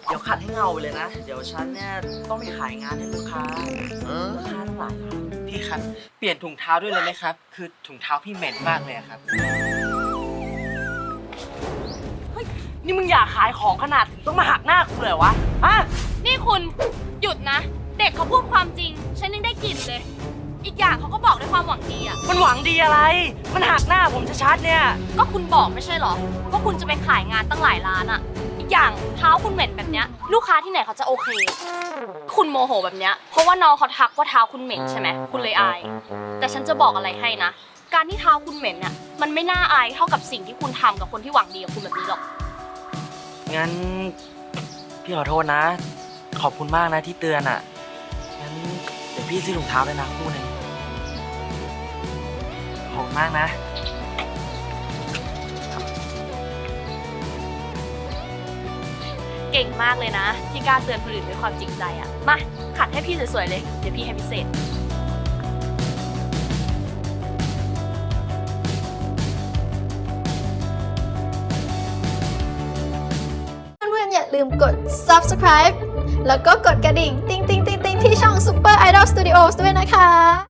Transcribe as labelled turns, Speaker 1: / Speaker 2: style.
Speaker 1: เดี๋ยวขัดให้เงาไปเลยนะ เดี๋ยวฉันเนี่ยต้องไปขายงานให้ลูกค้าทั้งหลายครับ
Speaker 2: พี่ครับเปลี่ยนถุงเท้าด้วยเลยไหมครับคือถุงเท้าพี่เหม็นมากเลยอะครับ
Speaker 1: นี่มึงอยากขายของขนาดถึงต้องมาหักหน้ากูเลยวะฮะ
Speaker 3: นี่คุณหยุดนะ เด็กเขาพูดความจริงฉันยังได้กลิ่นเลย อีกอย่างเขาก็บอกด้วยความหวังดีอ่ะ
Speaker 1: มันหวังดีอะไร มันหักหน้าผมชัดๆเนี่ย
Speaker 3: ก็คุณบอกไม่ใช่เหรอว่าคุณจะไปขายงานตั้งหลายร้านอ่ะ อีกอย่างเท้าคุณเหม็นแบบเนี้ยลูกค้าที่ไหนเขาจะโอเค คุณโมโหแบบเนี้ยเพราะว่าน้องเขาทักว่าเท้าคุณเหม็นใช่ไหมคุณเลยอาย แต่ฉันจะบอกอะไรให้นะ การที่เท้าคุณเหม็นน่ะมันไม่น่าอายเท่ากับสิ่งที่คุณทำกับคนที่หวังดีกับคุณแบบนี้หรอก
Speaker 1: งั้นพี่ขอโทษนะ ขอบคุณมากนะที่เตือนอ่ะ งั้นเดี๋ยวพี่ซื้อถุงเท้าด้วยนะคู่หนึงขอบคุณมากนะ
Speaker 3: เก่งมากเลยนะ ที่กล้าเตือนคนอื่นด้วยความจริงใจอ่ะมาขัดให้พี่สวยๆเลยเดี๋ยวพี่ให้พิเศษ
Speaker 4: เพื่อนๆอย่าลืมกด subscribe แล้วก็กดกระดิ่ง ติ๊งๆๆๆที่ช่อง Super Idol Studios ด้วยนะคะ